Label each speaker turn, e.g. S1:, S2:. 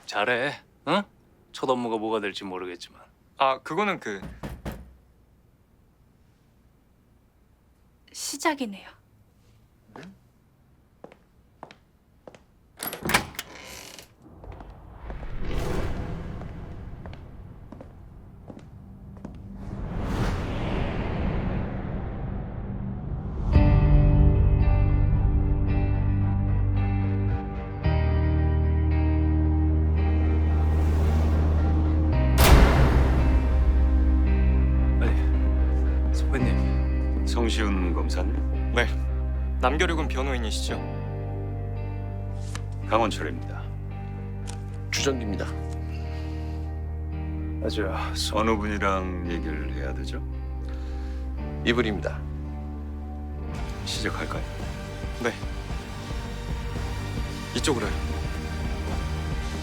S1: 잘해. 응? 첫 업무가 뭐가 될지 모르겠지만.
S2: 아, 그거는
S3: 시작이네요.
S1: 아니, 선배님.
S4: 성시훈 검사님,
S2: 네. 남겨륙은 변호인이시죠?
S4: 강원철입니다.
S5: 주정기입니다.
S1: 아주
S4: 어느 분이랑 얘기를 해야 되죠?
S5: 이분입니다.
S4: 시작할까요?
S2: 네. 이쪽으로요.